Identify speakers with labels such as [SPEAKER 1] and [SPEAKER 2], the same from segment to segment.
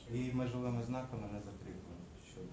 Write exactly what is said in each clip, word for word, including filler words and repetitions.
[SPEAKER 1] І межовими знаками не закріплено щодо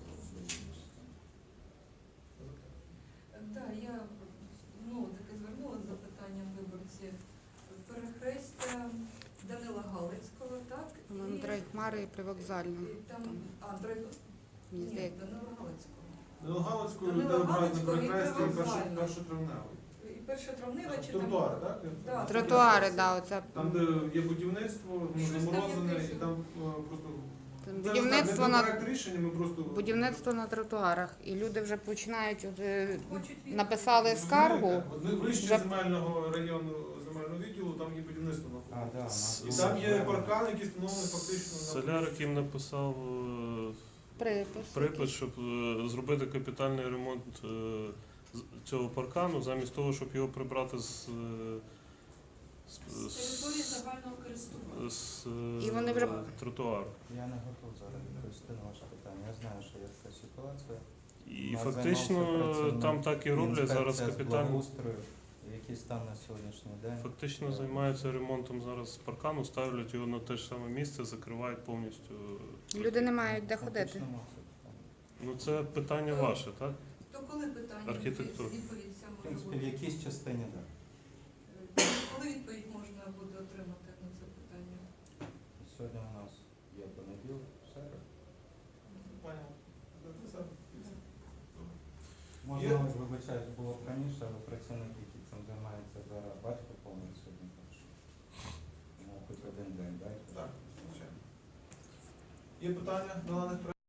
[SPEAKER 2] Так, я ну, таки звернулася з запитанням виборців. Перехрестя Данила Галицького, так?
[SPEAKER 3] По-моєму, Трайхмари і Привокзальна.
[SPEAKER 2] І там, а, Трай...
[SPEAKER 3] Мені
[SPEAKER 2] Ні,
[SPEAKER 3] здається.
[SPEAKER 2] Данила Галицького.
[SPEAKER 4] Данила Галицького
[SPEAKER 2] Данила
[SPEAKER 4] людей обирають на
[SPEAKER 2] Галицького і
[SPEAKER 4] перехресті і
[SPEAKER 2] Привокзальна.
[SPEAKER 4] першотравневий.
[SPEAKER 2] І перша травнева чи
[SPEAKER 4] Тротуари,
[SPEAKER 2] там?
[SPEAKER 4] так?
[SPEAKER 2] Да,
[SPEAKER 3] Тротуари, да, оце.
[SPEAKER 4] Там, де є будівництво, воно
[SPEAKER 2] Щось там
[SPEAKER 4] заморозене,
[SPEAKER 2] якесь.
[SPEAKER 4] і там е, просто...
[SPEAKER 3] Там
[SPEAKER 4] Це
[SPEAKER 3] будівництво
[SPEAKER 4] не
[SPEAKER 3] на
[SPEAKER 4] проект рішення, ми просто...
[SPEAKER 3] будівництво на тротуарах. І люди вже починають вже
[SPEAKER 2] Хочуть відповідь.
[SPEAKER 3] написали скаргу.
[SPEAKER 4] От ми вище
[SPEAKER 3] Вже-
[SPEAKER 4] земельного району, земельного відділу, там є будівництво
[SPEAKER 1] А,
[SPEAKER 4] навколо.
[SPEAKER 1] да, у нас
[SPEAKER 4] І
[SPEAKER 1] є
[SPEAKER 4] там є
[SPEAKER 1] зелені.
[SPEAKER 4] паркан, який встановлений фактично на...
[SPEAKER 5] Соляр, яким написав е,
[SPEAKER 3] Припис.
[SPEAKER 5] припис, щоб е, зробити капітальний ремонт е, з- цього паркану, замість того, щоб його прибрати з, е, з,
[SPEAKER 6] З території загального користування.
[SPEAKER 5] з,
[SPEAKER 3] І вони вже-
[SPEAKER 5] е, тротуару.
[SPEAKER 1] Я не готов зараз відповісти на ваше питання. Я знаю, що є така ситуація.
[SPEAKER 5] І
[SPEAKER 1] Нас
[SPEAKER 5] фактично
[SPEAKER 1] займався працівник
[SPEAKER 5] там так і роблять зараз
[SPEAKER 1] інспекція з
[SPEAKER 5] капітальний.
[SPEAKER 1] благоустрою, який стан на сьогоднішній день.
[SPEAKER 5] Фактично займаються ремонтом зараз паркану, ставлять його на те ж саме місце, закривають повністю.
[SPEAKER 3] Люди не мають де ходити.
[SPEAKER 1] Фактично, це питання.
[SPEAKER 5] Ну це питання ваше, так?
[SPEAKER 2] То коли питання,
[SPEAKER 5] Архітектура.
[SPEAKER 2] відповідь ця
[SPEAKER 1] В
[SPEAKER 2] може
[SPEAKER 1] принципі, в
[SPEAKER 2] бути?
[SPEAKER 1] якійсь частині так.
[SPEAKER 2] Коли відповідь можна буде отримати на це питання?
[SPEAKER 1] Сьогодні у нас є понеділок, середа.
[SPEAKER 4] Понял. Це все.
[SPEAKER 1] Можна,
[SPEAKER 4] Є?
[SPEAKER 1] вибачаюсь, було б раніше, але працівник, який цим займається зараз, батько повний сьогодні, так що ну, хоч один день, дайте.
[SPEAKER 4] Так, звичайно. Є питання до даних